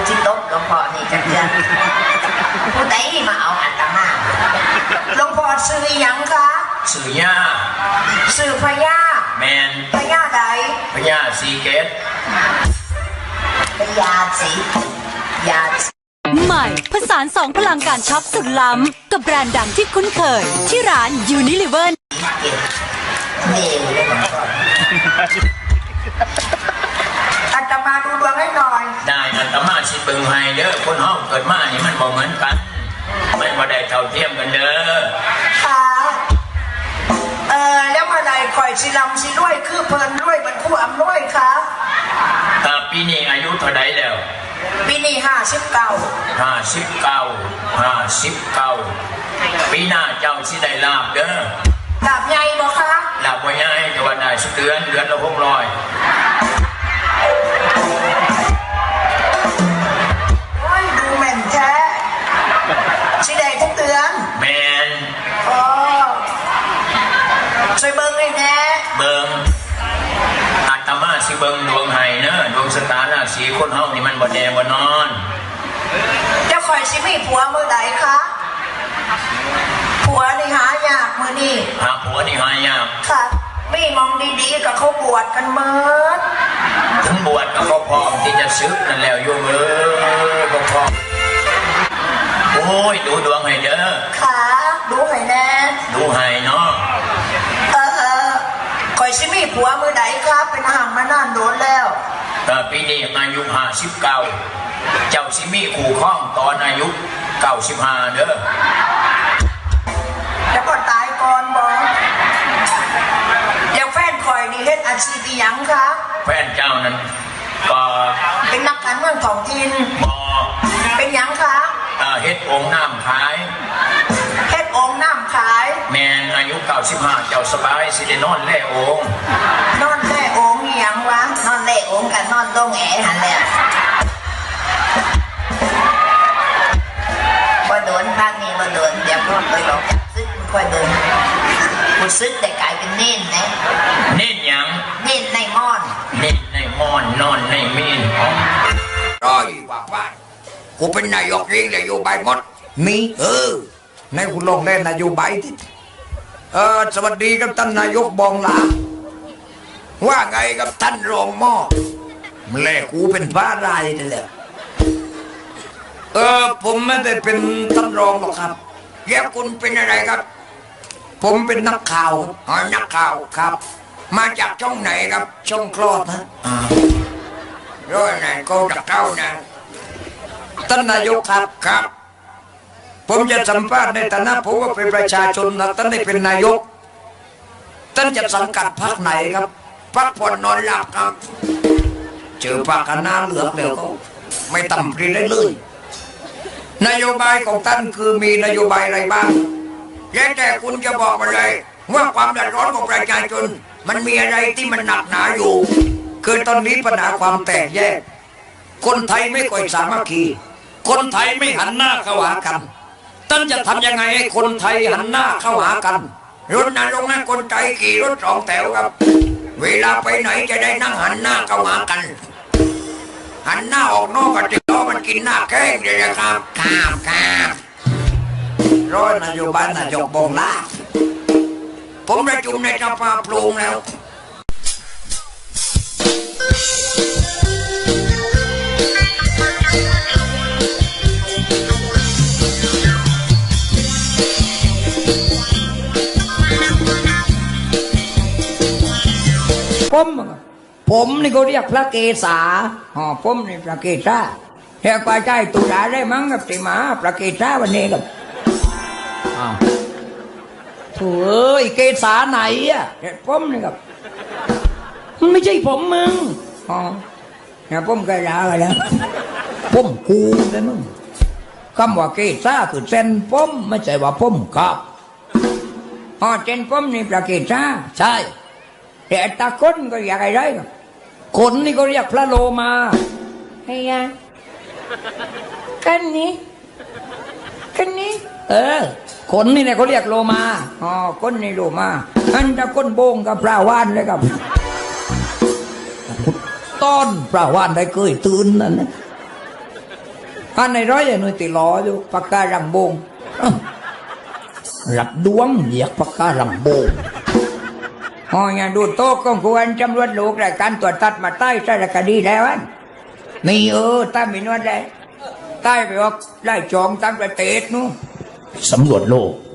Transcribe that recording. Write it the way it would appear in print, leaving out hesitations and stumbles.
จิตตกหลวงพ่อนี่จังเดือนผู้ใดมาเอาอาตมาหลวงพ่อซื้อยังคะซื้อย่าซื้อพญาแมนพญาใดพญาสีเกตพญาสียาใหม่ผสานสองพลังการช็อปสุดล้ำกับแบรนด์ดังที่คุ้นเคยที่ร้าน Unilever นี่อาตมาดูดวงให้หน่อยได้อาตมาสิเบิ่งให้เด้อคนห้องเกิดมานี่มันบ่เหมือนกันมันบ่ได้เท่าเทียมกันเด้อค่ะแล้วเมื่อไรคอยสิลำสิรวยคือเพลินรวยมันคู่อำนวยคะปีนี้อายุเท่าใดแล้วปีนี้ 59ปีหน้าเจ้าสิได้ลาบเด้อลาบใหญ่บ่คะลาบบ่ใหญ่แต่ว่าได้สักเดือนละ600 โอ้ยดูแม่นแท้สิได้ทุกเดือนแม่นช่วยเบิ่งให้แน่เบิ่งอาตมาสิเบิ่งดวงให้เนอะดวงชะตาราศีคนเฮานี่มันบ่แน่บ่นอนเจ้าคอยสิมีผัวมื้อใดคะผัวนี่หายากมื้อนี้หาผัวนี่หายากค่ะมีมองดีๆกับเขาบวชกันเมิดถึงบวชก็พร้อมที่จะซึกนั่นแล้วโยมก็พร้อมโอ้ยดูดวงให้เด้อค่ะดูให้แน่ดูให้เนาะคอยสิมีผัวมื้อใดครับเป็นห่างมานานโดนแล้วปีนี้อายุ59เจ้าสิมีคู่ครองตอนอายุ95เด้อแล้วก็ตายก่อนบ่อย่างแฟนคอยนี่เฮ็ดอาชีพหยังคะแฟนเจ้านั้นก็เป็นนักการเมืองท้องถิ่นบ่เป็นหยังคะเฮ็ดองค์น้ำขายเฮ็ดองค์น้ำขายแม่นอายุ95เจ้าสบายสิได้นอนแล่องค์นอนแล่องค์หยังวะนอนแล่องค์กันนอนตรงแอหั่นแหละบ่โดนภาคนี้บ่โดนเดี๋ยวพวกไปหลอกซึกค่อยเดินกูซึกแต่กลายเป็นเน้นนะเน้นหยังเน้นในม่อนเน้นในม่อนนอนในมีนร้อยว่ากูเป็นนายกเองนโยบายหมดมีในคุณลงเล่นนโยบายที่สวัสดีครับท่านนายกบองหลาว่าไงกับท่านรองหม้อแม่กูเป็นบ้าไรนี่แหละผมไม่ได้เป็นท่านรองหรอกครับแย่คุณเป็นอะไรครับผมเป็นนักข่าวนักข่าวครับมาจากช่องไหนครับช่องคลอดนะร้อยไหนก็จะเข้านะท่านนายกครับผมจะสัมภาษณ์ในฐานะผมว่าเป็นประชาชนนะท่านได้เป็นนายกท่านจะสังกัดพรรคไหนครับพรรคผ่อนนอนหลับครับเจอปากกันหน้าเหลือกแล้วก็ไม่ต่ำกรีได้เลยนโยบายของท่านคือมีนโยบายอะไรบ้างแต่คุณจะบอกมาเลยว่าความเดือดร้อนของประชาชนมันมีอะไรที่มันหนักหนาอยู่คือตอนนี้ปัญหาความแตกแยกคนไทยไม่ค่อยสามัคคีคนไทยไม่หันหน้าเข้าหากันท่านจะทำยังไงให้คนไทยหันหน้าเข้าหากันรถนั้นลงนั้นคนไทยขี่รถสองแถวครับเวลาไปไหนจะได้นั่งหันหน้าเข้าหากันหันหน้าออกนอกกระติกล้อมันกินหน้าแข้งเลยนะครับครับร้อยนโยบายนายกบองลาผมประชุมในสภาปรุงแล้วผมนี่เขาเรียกพระเกศาผมนี่พระเกศาแค่กว่าใจตุลาได้มั้งกับติมาพระเกศาวันนี้กับโถ่เกศาไหนอ่ะผมนี่กับมันไม่ใช่ผมมึงเนี่ยผมเกศาอะไรนะผมกูเลยมึงคำว่าเกศาคือเส้นผมไม่ใช่ว่าผมครับเส้นผมนี่พระเกศาใช่แต่ตาคนก็อยากอะไรกันคนนี่ก็เรียกพระโลมาไอ้ยากันนี้คนนี่เนี่ยเขาเรียกโลมาคนนี่โลมาอันจะคนโบงกับพระว่านเลยครับต้อนพระว่านได้เคยตื่นนั่นนะอันในร้อยหน่วยติลออยู่ปากการังบงรับดวงเหยียกปากการังบงอ๋ออย่างดูโต๊ะก็ควรจำรวจลูกรายการตรวจตัดมาใต้สารคดีแล้วอันมีถ้ามีนวดได้ใต้ไปว่าไล่จองตั้งประเทศนู้นสำรวจโลก